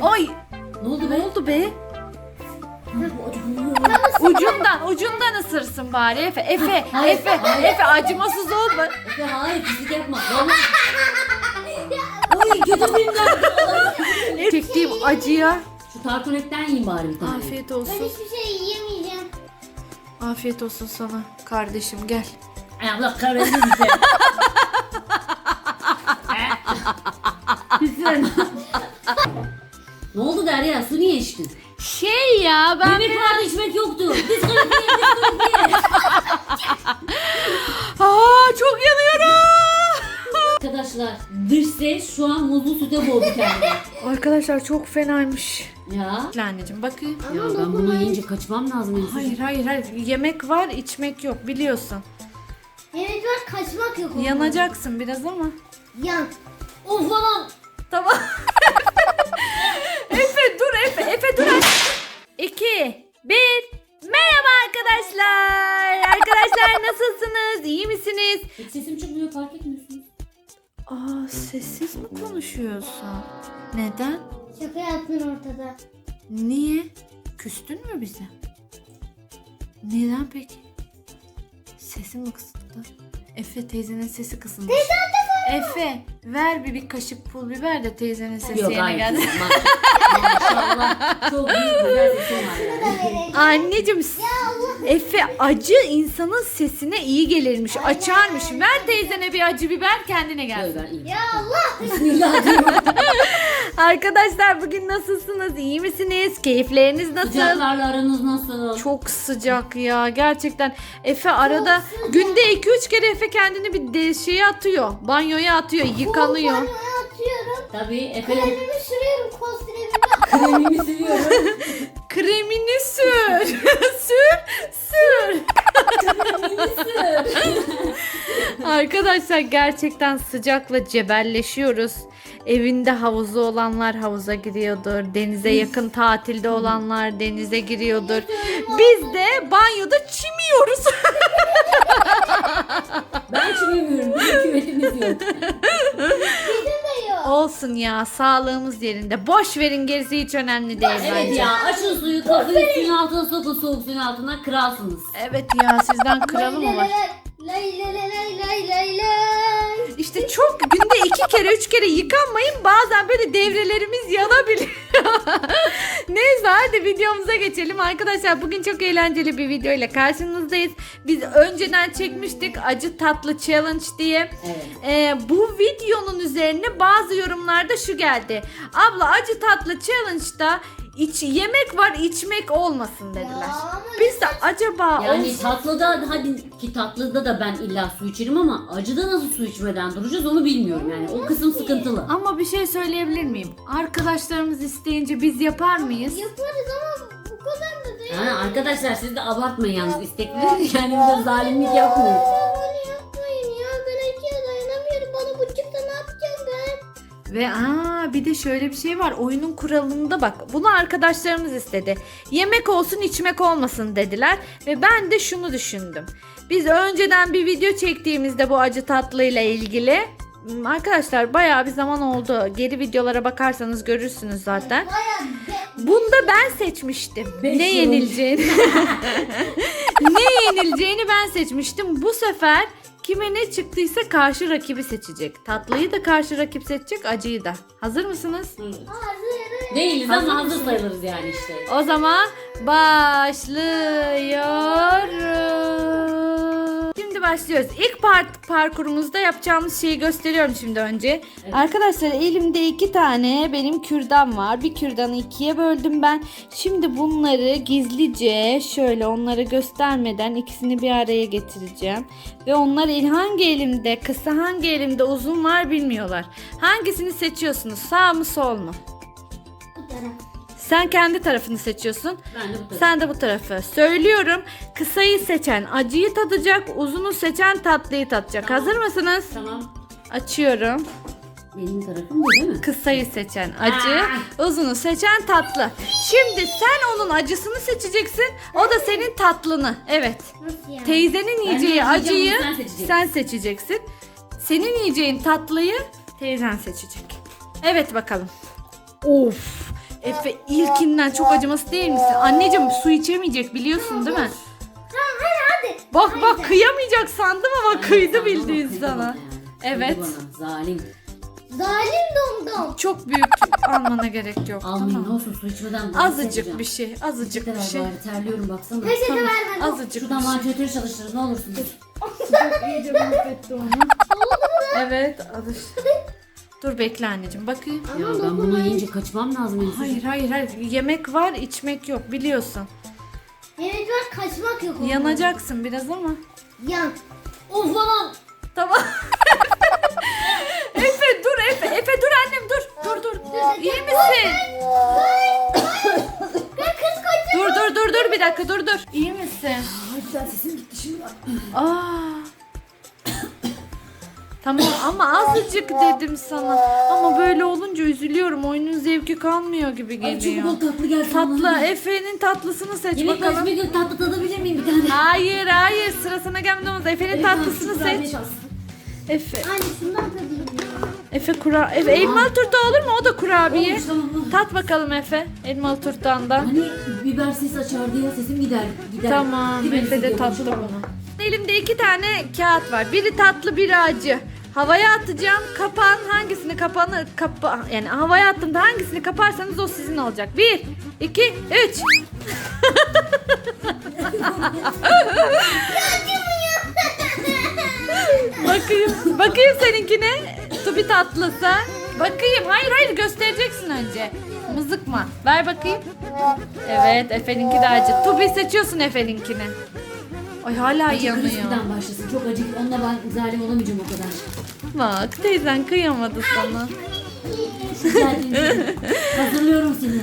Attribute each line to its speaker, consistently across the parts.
Speaker 1: Ay.
Speaker 2: Ne oldu be?
Speaker 1: Ne oldu be? Ucundan ısırsın bari Efe. Efe acımasız olma.
Speaker 2: Efe hayır pislik yapma. Vallahi. Ay götürmeyeyim.
Speaker 1: Çektiğim acıya
Speaker 2: Şu tartonetten yiyin bari bir tane.
Speaker 1: afiyet
Speaker 3: Ben
Speaker 1: olsun.
Speaker 3: hiçbir şey yiyemeyeceğim.
Speaker 1: Afiyet olsun sana kardeşim, gel.
Speaker 2: Ay Allah kahretsin bize. Güzel. Ne oldu Derya? Su niye içtin?
Speaker 1: Şey ya ben
Speaker 2: Yemek vardı içmek yoktu. Diskalifiye.
Speaker 1: çok yanıyorum.
Speaker 2: Arkadaşlar dış ses şu an muzlu süte boğdu kendini.
Speaker 1: Arkadaşlar çok fenaymış.
Speaker 2: Ya.
Speaker 1: Anneciğim bakayım.
Speaker 2: Ya ben bunu yiyince kaçmam lazım.
Speaker 1: Hayır. Yemek var, içmek yok biliyorsun.
Speaker 3: Evet var, kaçmak yok. ondan.
Speaker 1: Yanacaksın biraz ama.
Speaker 3: Yan.
Speaker 2: Of falan.
Speaker 1: Tamam. Efe dur. 2, 1. Merhaba arkadaşlar. Arkadaşlar nasılsınız? İyi misiniz?
Speaker 2: Hiç sesim çıkmıyor, fark etmiyorsunuz.
Speaker 1: Sessiz mi konuşuyorsun? Neden?
Speaker 3: Şaka yaptın ortada.
Speaker 1: Niye? Küstün mü bize? Neden peki? Sesin mi kısıldı? Efe teyzenin sesi kısılmış. Efe ver bir kaşık pul biber de teyzenin sesi
Speaker 2: Yok
Speaker 1: yerine
Speaker 2: hayır.
Speaker 1: geldi.
Speaker 2: Maşallah. Çok büyük güzel sesim var yani.
Speaker 1: Anneciğim Efe acı insanın sesine iyi gelirmiş. Açarmış. Ver teyzene bir acı biber kendine gelsin.
Speaker 2: Böyle ben iyiyim.
Speaker 3: Ya Allah.
Speaker 2: Bismillah diyorum.
Speaker 1: Arkadaşlar bugün nasılsınız? İyi misiniz? Keyifleriniz nasıl?
Speaker 2: Sıcaklarla aranız nasıl?
Speaker 1: Çok sıcak ya gerçekten. Efe arada günde 2-3 kere Efe kendini bir şeye atıyor. Banyoya atıyor, yıkanıyor.
Speaker 3: Banyoya atıyorum.
Speaker 2: Tabii Efe
Speaker 3: Kremimi sürüyorum, kostiremimi.
Speaker 2: kremimi seviyorum.
Speaker 1: Kremini sür. sür. Arkadaşlar gerçekten sıcakla cebelleşiyoruz. Evinde havuzu olanlar havuza giriyordur. Denize yakın tatilde olanlar denize giriyordur. Biz de banyoda çimiyoruz.
Speaker 2: Ben çimemiyorum. Bizim küvetimiz yok.
Speaker 3: Bizim de yok.
Speaker 1: Olsun ya, sağlığımız yerinde. Boş verin, gerisi hiç önemli değil
Speaker 2: Evet
Speaker 1: bence.
Speaker 2: ya, açın suyu, kafayı suyun altına sokun, soğuk suyun altına kralsınız.
Speaker 1: Evet ya, sizden kralı mı var?
Speaker 3: Lay lay lay lay lay lay.
Speaker 1: İşte çok günde 2 kere 3 kere yıkanmayın, bazen böyle devrelerimiz yanabiliyor. Neyse hadi videomuza geçelim arkadaşlar. Bugün çok eğlenceli bir video ile karşınızdayız. Biz önceden çekmiştik acı tatlı challenge diye.
Speaker 2: Evet.
Speaker 1: Bu videonun üzerine bazı yorumlarda şu geldi. Abla acı tatlı challenge'da yemek var, içmek olmasın dediler.
Speaker 3: Ya ama
Speaker 1: Biz de acaba
Speaker 2: Yani
Speaker 1: olsun.
Speaker 2: tatlıda, hadi ki tatlıda da ben illa su içerim ama acıda nasıl su içmeden duracağız onu bilmiyorum yani. O kısım sıkıntılı.
Speaker 1: Ama bir şey söyleyebilir miyim? Arkadaşlarımız isteyince biz yapar mıyız?
Speaker 3: yaparız ama bu kadar da değil.
Speaker 2: Ha, arkadaşlar siz de abartmayın yalnız istekleri. Yani bir de zalimlik yapmayın.
Speaker 3: Bunu yapmayın ya. Ben acıya dayanamıyorum. Bana bu çıktı, ne yapacağım ben?
Speaker 1: Ve bir de şöyle bir şey var. Oyunun kuralında bak. Bunu arkadaşlarımız istedi. Yemek olsun, içmek olmasın dediler. Ve ben de şunu düşündüm. Biz önceden bir video çektiğimizde bu acı tatlıyla ilgili arkadaşlar bayağı bir zaman oldu. Geri videolara bakarsanız görürsünüz zaten. Bunda ben seçmiştim.
Speaker 2: Beş
Speaker 1: Ne
Speaker 2: yıl
Speaker 1: yenileceğini. Ne yenileceğini ben seçmiştim. Bu sefer kime ne çıktıysa karşı rakibi seçecek. Tatlıyı da karşı rakip seçecek, acıyı da. Hazır mısınız?
Speaker 3: Hazırım.
Speaker 2: Değiliz
Speaker 1: Hazır
Speaker 2: ama hazır
Speaker 1: mısınız?
Speaker 2: sayılırız yani işte.
Speaker 1: O zaman başlıyoruz. Şimdi başlıyoruz. İlk parkurumuzda yapacağımız şeyi gösteriyorum şimdi önce.
Speaker 2: Evet.
Speaker 1: Arkadaşlar elimde 2 tane benim kürdan var. Bir kürdanı 2'ye böldüm ben. Şimdi bunları gizlice şöyle onları göstermeden ikisini bir araya getireceğim. Ve onlar hangi elimde kısa hangi elimde uzun var bilmiyorlar. Hangisini seçiyorsunuz? Sağ mı sol mu?
Speaker 3: Bu taraf.
Speaker 1: Sen kendi tarafını seçiyorsun.
Speaker 2: Ben de bu tarafı.
Speaker 1: Sen de bu tarafı. Söylüyorum. Kısayı seçen acıyı tadacak. Uzunu seçen tatlıyı tadacak.
Speaker 2: Tamam.
Speaker 1: Hazır mısınız?
Speaker 2: Tamam.
Speaker 1: Açıyorum.
Speaker 2: Benim tarafım bu değil mi?
Speaker 1: Kısayı seçen acı. Uzunu seçen tatlı. Şimdi sen onun acısını seçeceksin. O da senin tatlını. Evet.
Speaker 3: Nasıl yani?
Speaker 1: Teyzenin
Speaker 2: Ben
Speaker 1: yiyeceği
Speaker 2: ne
Speaker 1: acıyı
Speaker 2: yiyeceğim onu sen seçeceksin.
Speaker 1: sen seçeceksin. Senin yiyeceğin tatlıyı teyzen seçecek. Evet bakalım. Of. Efe ilkinden çok acıması değil misin? Anneciğim su içemeyecek biliyorsun değil mi?
Speaker 3: Tamam hadi.
Speaker 1: Bak kıyamayacak sandım ama
Speaker 2: Aynen,
Speaker 1: kıydı
Speaker 2: sandım ama
Speaker 1: bildiğin
Speaker 2: kıydı
Speaker 1: sana.
Speaker 2: bana yani.
Speaker 1: Evet.
Speaker 2: Kıydı bana, zalim.
Speaker 3: Zalim domdom.
Speaker 1: Çok büyük almana gerek yok.
Speaker 2: Almayayım
Speaker 1: Tamam.
Speaker 2: ne olsun su içmeden.
Speaker 1: Azıcık bir şey, azıcık bir şey.
Speaker 2: Bari terliyorum baksana.
Speaker 3: Peçete
Speaker 1: Tamam,
Speaker 3: ver bana.
Speaker 1: azıcık bir
Speaker 2: Şuradan
Speaker 1: şey.
Speaker 2: vantilatörü çalıştırın ne olursunuz.
Speaker 1: İyice mahvetti onu. Evet, alış. Dur bekle anneciğim, bakayım.
Speaker 2: Ya ben bunu yiyince kaçmam lazım. Elif'ciğim.
Speaker 1: Hayır. Yemek var, içmek yok biliyorsun.
Speaker 3: Evet var kaçmak yok. ondan.
Speaker 1: Yanacaksın biraz ama.
Speaker 3: Yan.
Speaker 2: Of anam.
Speaker 1: Tamam. Efe dur Efe dur annem dur. İyi misin? Dur bir dakika dur. İyi misin?
Speaker 2: Ay güzel sesim gitti şimdi.
Speaker 1: Aa. Tamam ama azıcık dedim sana. Ama böyle olunca üzülüyorum. Oyunun zevki kalmıyor gibi
Speaker 2: Ay
Speaker 1: geliyor.
Speaker 2: çok tatlı gelsin.
Speaker 1: Tatlı Efe'nin tatlısını seç
Speaker 2: Yemek
Speaker 1: bakalım.
Speaker 2: başıma gün tatlı tadabilir miyim bir tane?
Speaker 1: Hayır sıra sana gelmeden olmaz. Efe'nin tatlısını seç. Efe.
Speaker 3: Anne şundan tadayım ya.
Speaker 1: Efe elmalı turta olur mu? O da kurabiye.
Speaker 2: Olmuş, tamam.
Speaker 1: Tat bakalım Efe. Elmalı turtandan.
Speaker 2: Hani biber ses açardı ya sesim gider.
Speaker 1: Tamam.
Speaker 2: Gider,
Speaker 1: Efe de
Speaker 2: gidiyor,
Speaker 1: tatlı
Speaker 2: konuşamam.
Speaker 1: bunu. Elimde 2 tane kağıt var. Biri tatlı, biri acı. Havaya atacağım. Kapağın hangisini yani havaya attığımda hangisini kaparsanız o sizin olacak. 1, 2, 3. Bakayım seninkine. Tubi tatlısı. Bakayım. Hayır göstereceksin önce. Mızıkma. Ver bakayım. Evet Efe'ninki de acı. Tubi seçiyorsun Efe'ninkini. Ay hala
Speaker 2: Acı
Speaker 1: yanıyor.
Speaker 2: krispiden başlasın. Çok acı. Onunla ben zalim olamayacağım o kadar.
Speaker 1: Bak teyzen kıyamadı sana.
Speaker 2: Geldiğinde hazırlıyorum seni.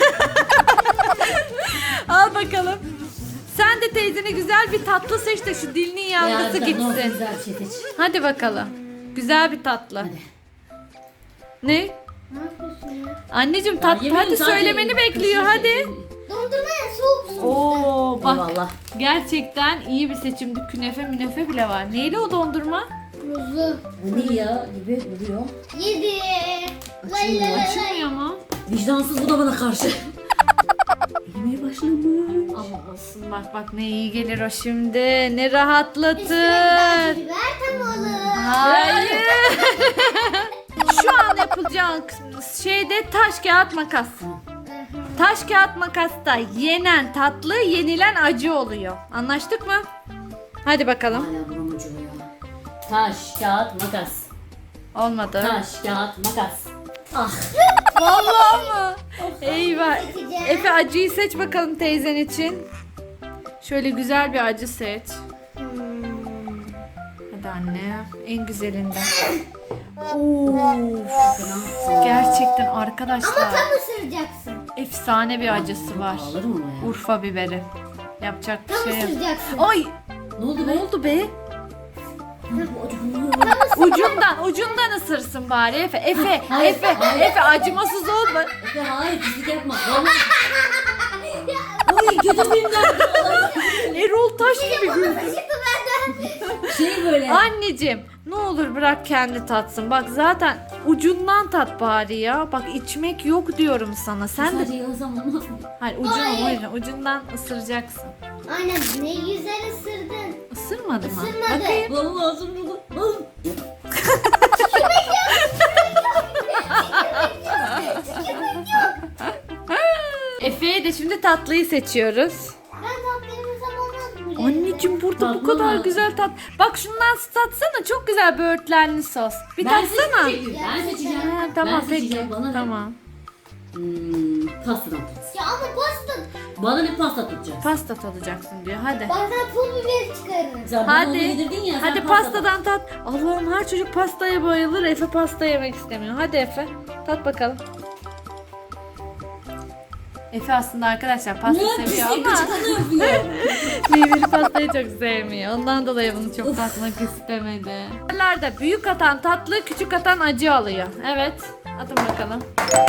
Speaker 1: Al bakalım. Sen de teyzene güzel bir tatlı seç de şu dilinin yanması
Speaker 2: Ne olsun,
Speaker 1: gitsin.
Speaker 2: güzel bir şey seç.
Speaker 1: Hadi bakalım. Güzel bir tatlı.
Speaker 2: Hadi.
Speaker 1: Ne?
Speaker 3: Ne yapıyorsun ya?
Speaker 1: Anneciğim
Speaker 2: Yemeğin
Speaker 1: hadi
Speaker 2: sadece
Speaker 1: söylemeni bekliyor hadi.
Speaker 3: Dondurma ya soğuk su.
Speaker 1: Oo bak
Speaker 2: Eyvallah.
Speaker 1: gerçekten iyi bir seçimdi. Künefe bile var. Neydi o dondurma?
Speaker 3: Muzlu.
Speaker 2: Vanilya gibi duruyor.
Speaker 3: Yedi. Lay lay lay.
Speaker 1: Açılmıyor mu?
Speaker 2: Vicdansız bu da bana karşı. Yemeğe başlamış.
Speaker 1: Ama olsun bak ne iyi gelir o şimdi. Ne
Speaker 3: Üstüne
Speaker 1: rahatlatır.
Speaker 3: bir biber tam olur.
Speaker 1: Hayır. Şu an yapılacağın şeyde taş kağıt makas. Taş kağıt makasta yenen tatlı, yenilen acı oluyor. Anlaştık mı? Hadi bakalım.
Speaker 2: Hala buram acıyor ya. Taş, kağıt, makas.
Speaker 1: Olmadı.
Speaker 2: Taş, kağıt, makas. Ah.
Speaker 1: Vallahi mı? Eyvah.
Speaker 3: Seçeceğim.
Speaker 1: Efe acıyı seç bakalım teyzen için. Şöyle güzel bir acı seç. Hadi anne. En güzelinden. Of. Gerçekten arkadaşlar.
Speaker 3: Tam ısıracaksın.
Speaker 1: Efsane bir acısı var.
Speaker 2: Ağlarım ama ya.
Speaker 1: Urfa biberi. Yapacak
Speaker 3: Tam
Speaker 1: bir şey yok.
Speaker 3: ısıracaksın.
Speaker 1: Ay
Speaker 2: Ne oldu be?
Speaker 1: ne oldu be?
Speaker 2: Bu acı.
Speaker 1: Ucundan ısırsın bari Efe.
Speaker 2: Hayır, hayır.
Speaker 1: Efe acımasız olma.
Speaker 2: Efe hayır pislik yapma. Vallahi. Oy kötü filmler.
Speaker 1: Erol Taş gibi güldü.
Speaker 3: Çıktı benden.
Speaker 2: Şey böyle.
Speaker 1: Anneciğim ne olur bırak kendi tatsın. Bak zaten ucundan tat bari ya. Bak içmek yok diyorum sana. Sen de
Speaker 2: Sadece yalasam olmaz mı?
Speaker 1: hayır ucundan ısıracaksın.
Speaker 3: Aynen ne güzel ısırdın.
Speaker 1: Isırmadı mı?
Speaker 3: Isırmadı.
Speaker 1: Bakayım.
Speaker 2: Vallahi ağzım burada.
Speaker 1: Efe'ye de şimdi tatlıyı seçiyoruz.
Speaker 3: Ben tatlı yemesem olmaz mı?
Speaker 1: Anneciğim burada bu
Speaker 2: Tatlı
Speaker 1: kadar
Speaker 2: mı?
Speaker 1: güzel tat. Bak şundan tatsana çok güzel böğürtlenli sos. Bir
Speaker 2: Ben
Speaker 1: tatsana.
Speaker 2: seçeceğim. Ben seçeceğim.
Speaker 1: Ha, tamam
Speaker 2: Ben
Speaker 1: peki.
Speaker 2: seçeceğim. Bana ne?
Speaker 1: Tamam.
Speaker 2: Pastadan.
Speaker 3: Ya ama pasta.
Speaker 2: Bana ne pasta tutacağız?
Speaker 1: Pasta tadacaksın diyor. Hadi.
Speaker 3: Bazen pul biber çıkarırım.
Speaker 2: Sen bana onu
Speaker 1: Hadi.
Speaker 2: yedirdin ya. sen
Speaker 1: Hadi pastadan tat. Allah'ım her çocuk pastaya bayılır. Efe pasta yemek istemiyor. Hadi Efe. Tat bakalım. Efe aslında arkadaşlar pasta
Speaker 2: Ne
Speaker 1: seviyor
Speaker 2: pislik
Speaker 1: ama
Speaker 2: bıçakını yapıyor.
Speaker 1: meyveli pastayı çok sevmiyor. Ondan dolayı bunu çok tatmak istemedi. Bunlarda büyük atan tatlı, küçük atan acı alıyor. Evet. Atın bakalım.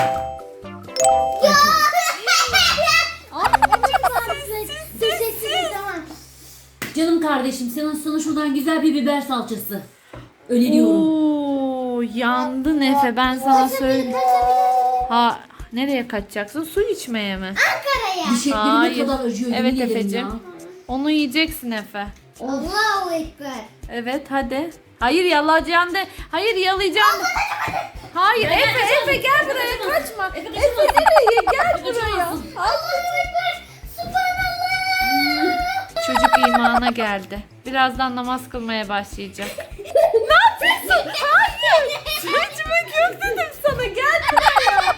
Speaker 3: Sessiz tamam.
Speaker 2: Canım kardeşim sana şuradan güzel bir biber salçası. Öneriyorum.
Speaker 1: Oo, yandın Efe ben sana söyleyeyim. Ha Nereye kaçacaksın? Su içmeye mi?
Speaker 3: Ankara'ya.
Speaker 2: Dişeklerim ne
Speaker 1: Hayır.
Speaker 2: kadar acıyor.
Speaker 1: Evet
Speaker 2: yemin ederim
Speaker 1: Efe'cim.
Speaker 2: ya.
Speaker 1: Onu yiyeceksin Efe.
Speaker 3: Allahu Ekber.
Speaker 1: Evet hadi. Hayır yalayacaksın de. Hayır yalayacaksın de. Hayır Efe gel buraya kaçma. Efe nereye gel buraya.
Speaker 3: Allahu Ekber. Subhanallah.
Speaker 1: Çocuk imana geldi. Birazdan namaz kılmaya başlayacak. Ne yapıyorsun? Hayır. Su içmek yok dedim sana. Gel buraya.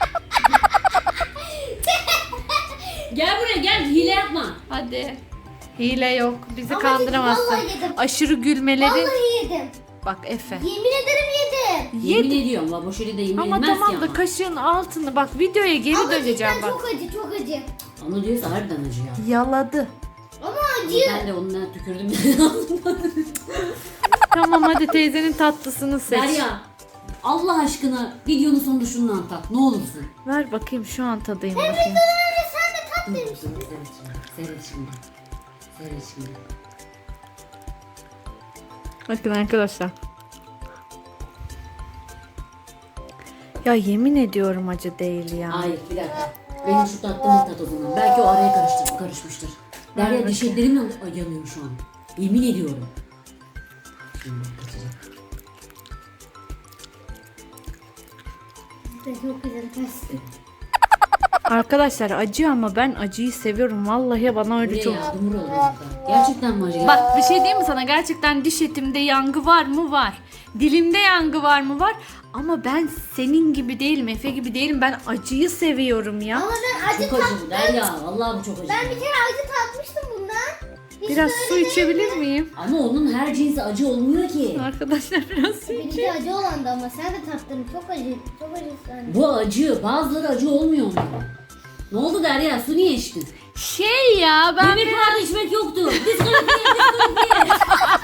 Speaker 2: Gel buraya gel, hile yapma.
Speaker 1: Hadi. Hile yok. Bizi
Speaker 3: Ama
Speaker 1: kandıramazsın.
Speaker 3: vallahi yedim.
Speaker 1: Aşırı gülmeleri.
Speaker 3: Vallahi yedim.
Speaker 1: Bak Efe.
Speaker 3: Yemin ederim yedim.
Speaker 2: Yemin ediyorum la, boş öyle de yemin
Speaker 1: Ama
Speaker 2: edilmez
Speaker 1: tamam
Speaker 2: ki
Speaker 1: da
Speaker 2: ama.
Speaker 1: kaşığın altını bak videoya geri
Speaker 3: Ama
Speaker 1: döneceğim
Speaker 3: cidden
Speaker 1: bak.
Speaker 3: çok acı çok acı.
Speaker 2: Ama diyorsa harbiden acı ya.
Speaker 1: Yaladı.
Speaker 3: Ama
Speaker 2: Ama
Speaker 3: acı.
Speaker 2: ben de onunla tükürdüm.
Speaker 1: Tamam hadi teyzenin tatlısını seç.
Speaker 2: Derya, Allah aşkına videonun sonunda şundan tat, ne olursun.
Speaker 1: Ver bakayım şu an tadayım bakayım.
Speaker 3: Öyle sen de tat demiştin.
Speaker 2: Seyret şimdi. Seyret şimdi.
Speaker 1: Bakın arkadaşlar. Ya yemin ediyorum acı değil ya.
Speaker 2: Hayır bir dakika. Benim şu tatlımın tat o zaman. Belki o araya karışmıştır. Derya dişeklerimle yanıyor şu an. Yemin ediyorum. Şimdi kaçacak.
Speaker 3: Çok güzel kaçtı.
Speaker 1: Arkadaşlar acı ama ben acıyı seviyorum. Vallahi bana öyle
Speaker 2: Buraya
Speaker 1: çok.
Speaker 2: yardımcı ol burada. Gerçekten mi acı?
Speaker 1: Bak bir şey diyeyim mi sana? Gerçekten diş etimde yangı var mı? Var. Dilimde yangı var mı? Var. Ama ben senin gibi değilim. Efe gibi değilim. Ben acıyı seviyorum ya.
Speaker 3: Ama ben acı
Speaker 2: Çok
Speaker 3: tat...
Speaker 2: acı bu Derya. Vallahi bu çok acı.
Speaker 3: Ben bir kere acı tatmıştım bundan. Hiç
Speaker 1: Biraz
Speaker 3: böyle
Speaker 1: su
Speaker 3: değil.
Speaker 1: içebilir miyim?
Speaker 2: Ama onun her cinsi acı olmuyor ki.
Speaker 1: Arkadaşlar biraz su
Speaker 3: Benimki
Speaker 1: içeyim.
Speaker 3: acı olandı ama sen de tattın. Çok acı. Çok acı sen.
Speaker 2: Bu acı. Bazıları acı olmuyor onların. Ne oldu Derya? Su niye içtin?
Speaker 1: Şey ya ben
Speaker 2: Yemek vardı içmek yoktu. Diskalifiye.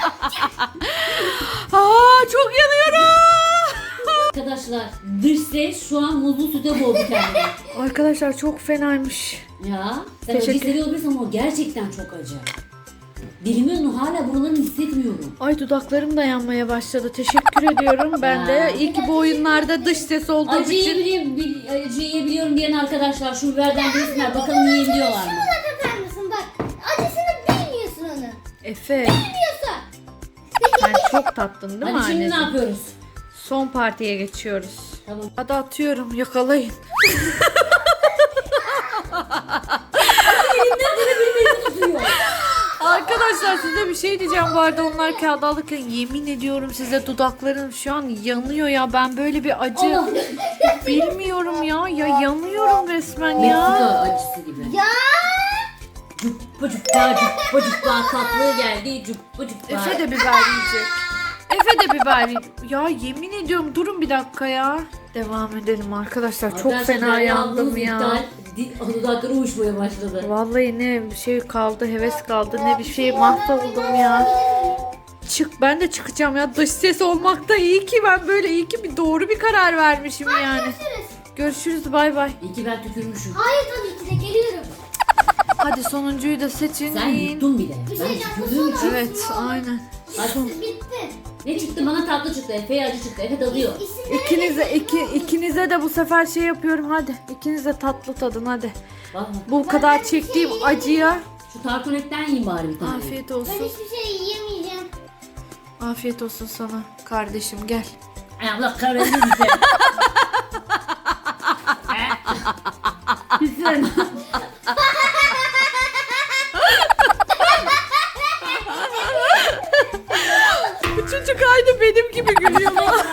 Speaker 1: çok yanıyorum.
Speaker 2: Arkadaşlar dış ses şu an muzlu süte boğdu kendini.
Speaker 1: Arkadaşlar çok fenaymış.
Speaker 2: Ya sen acı
Speaker 1: Teşekkür-
Speaker 2: seviyor olabilirsin ama o gerçekten çok acı. Dilimin hala buralarını hissetmiyorum.
Speaker 1: Ay dudaklarım da yanmaya başladı. Teşekkür ediyorum. Ben de
Speaker 2: Ya.
Speaker 1: iyi ki bu oyunlarda dış ses olduğum
Speaker 2: Acı
Speaker 1: için.
Speaker 2: acı yiyebiliyorum diyen arkadaşlar şu biberden bilsinler bakalım yiyebiliyorlar mı?
Speaker 3: Buna tatar mısın bak. Acısını bilmiyorsun onu.
Speaker 1: Efe
Speaker 3: Bilmiyorsun.
Speaker 1: sen çok tattın değil mi
Speaker 2: Hadi şimdi ne
Speaker 1: anneciğim?
Speaker 2: yapıyoruz?
Speaker 1: Son partiye geçiyoruz.
Speaker 2: Tamam.
Speaker 1: Hadi atıyorum yakalayın.
Speaker 2: Tutuyor.
Speaker 1: Arkadaşlar size bir şey diyeceğim bu arada onlar kağıt alırken yemin ediyorum size dudaklarım şu an yanıyor ya ben böyle bir acı
Speaker 2: Allah.
Speaker 1: bilmiyorum ya yanıyorum resmen
Speaker 2: Meksika
Speaker 1: ya.
Speaker 2: acısı gibi.
Speaker 3: Ya.
Speaker 2: Cuppa cuppa tatlı geldi. Cuppa cuppa.
Speaker 1: Efe de biber yiyecek. Efe de biber ya yemin ediyorum durun bir dakika ya. Devam edelim arkadaşlar çok
Speaker 2: Arkadaşlar,
Speaker 1: fena
Speaker 2: Derya
Speaker 1: yandım
Speaker 2: ablanız
Speaker 1: ya.
Speaker 2: iptal. Dudakları uyuşmaya başladı.
Speaker 1: Vallahi ne bir şey kaldı heves kaldı ne bir şey mahvoldum ya. Çık ben de çıkacağım ya dış ses olmakta iyi ki ben böyle iyi ki bir doğru bir karar vermişim yani. Görüşürüz bay bay.
Speaker 2: İyi ki ben tükürmüşüm.
Speaker 3: Hayır tabii ki de geliyorum.
Speaker 1: Hadi sonuncuyu da seçin.
Speaker 2: Sen
Speaker 1: yiyin.
Speaker 2: yuttun bir de.
Speaker 3: Bir
Speaker 2: Ben
Speaker 3: şey diyeceğim,
Speaker 2: tükürdüğüm için.
Speaker 1: Evet aynen.
Speaker 3: Bitti.
Speaker 2: Ne çıktı? Bana tatlı çıktı. Efe'ye acı çıktı. Efe tadıyor.
Speaker 1: İkinize de bu sefer şey yapıyorum hadi. İkiniz de tatlı tadın hadi.
Speaker 2: Bak
Speaker 1: Bu kadar çektiğim acıya
Speaker 2: şu tartonetten yiyin bari bir tane.
Speaker 1: afiyet
Speaker 3: Ben
Speaker 1: olsun.
Speaker 3: hiçbir şey yiyemeyeceğim.
Speaker 1: Afiyet olsun sana kardeşim gel.
Speaker 2: Ay Allah kahretsin bize. Güzel.
Speaker 1: Bu çocuk aynı benim gibi gülüyor.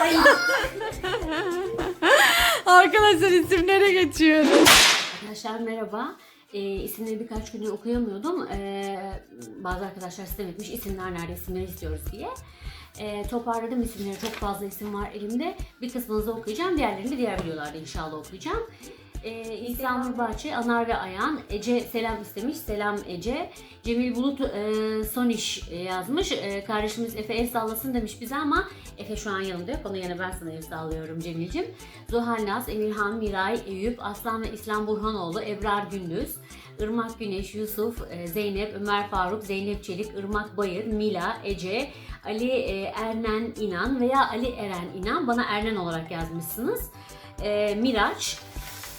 Speaker 1: Arkadaşlar isimlere geçiyoruz.
Speaker 2: Arkadaşlar merhaba. İsimleri birkaç gündür okuyamıyordum. Bazı arkadaşlar sistem etmiş isimler nerede isimleri istiyoruz diye. Toparladım isimleri. Çok fazla isim var elimde. Bir kısmını da okuyacağım. Diğerlerini de diğer videolarda inşallah okuyacağım. İhsan Nurbahçe, Anar ve Ayan, Ece selam istemiş. Selam Ece. Cemil Bulut son iş yazmış. Kardeşimiz Efe el sallasın demiş bize ama Efe şu an yanımda yok. Onun yerine ben sana el sallıyorum Cemil'cim. Zuhal Naz, Emirhan, Miray, Eyüp, Aslan ve İslam Burhanoğlu, Ebrar Gündüz, Irmak Güneş, Yusuf, Zeynep, Ömer Faruk, Zeynep Çelik, Irmak Bayır, Mila, Ece, Ali Ernen İnan veya Ali Eren İnan. Bana Ernen olarak yazmışsınız. Miraç,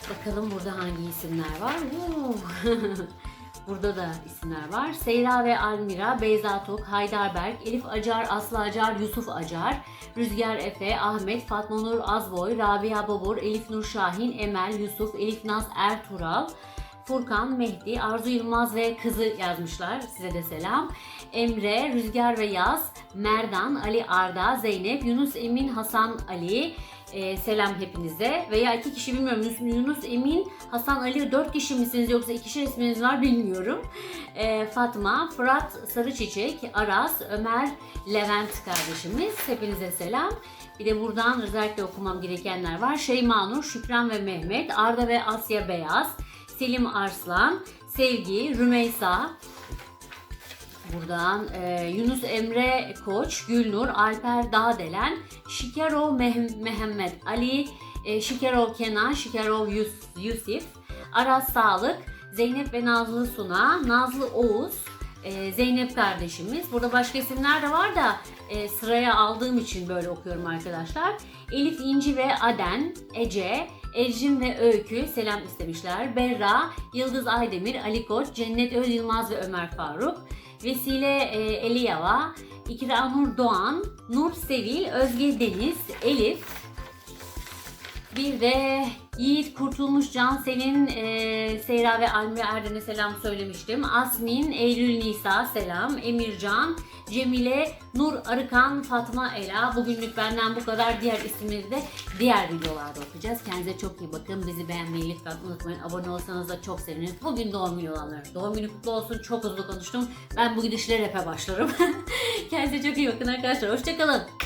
Speaker 2: Bakalım burada hangi isimler var? Burada da isimler var. Seyra ve Almira, Beyza Tok, Heidelberg, Elif Acar, Aslı Acar, Yusuf Acar, Rüzgar Efe, Ahmet, Fatma Nur Azboy, Rabia Babur, Elif Nur Şahin, Emel, Yusuf, Elif Naz Ertuğral, Furkan, Mehdi, Arzu Yılmaz ve kızı yazmışlar. Size de selam. Emre, Rüzgar ve Yaz, Merdan, Ali Arda, Zeynep, Yunus Emin, Hasan Ali. Selam hepinize. Veya 2 kişi bilmiyorum. Yunus Emin, Hasan Ali 4 kişi misiniz yoksa 2 isminiz var bilmiyorum. Fatma, Fırat Sarıçiçek, Aras, Ömer, Levent kardeşimiz. Hepinize selam. Bir de buradan özellikle okumam gerekenler var. Şeyma Nur, Şükran ve Mehmet, Arda ve Asya Beyaz, Selim Arslan, Sevgi, Rümeysa. Buradan Yunus Emre Koç, Gülnur, Alper Dağdelen, Şikerov Mehmet Ali, Şikerov Kenan, Şikerov Yusuf, Aras Sağlık, Zeynep ve Nazlı Suna, Nazlı Oğuz, Zeynep kardeşimiz. Burada başka isimler de var da sıraya aldığım için böyle okuyorum arkadaşlar. Elif İnci ve Aden, Ece, Ecrin ve Öykü selam istemişler. Berra, Yıldız Aydemir, Ali Koç, Cennet Öz Yılmaz ve Ömer Faruk. Vesile Eliyava, İkra Nur Doğan, Nur Sevil, Özge Deniz, Elif. Bir de Yiğit Kurtulmuş, Cansel'in Seyra ve Almira Erdem'e selam söylemiştim. Asmin, Eylül Nisa selam. Emircan, Cemile, Nur Arıkan, Fatma Ela. Bugünlük benden bu kadar. Diğer isimleri de diğer videolarda okuyacağız. Kendinize çok iyi bakın. Bizi beğenmeyi lütfen unutmayın. Abone olsanız da çok seviniriz. Bugün doğum günü olanlar. Doğum günü kutlu olsun. Çok hızlı konuştum. Ben bu gidişle rap'e başlarım. Kendinize çok iyi bakın arkadaşlar. Hoşçakalın.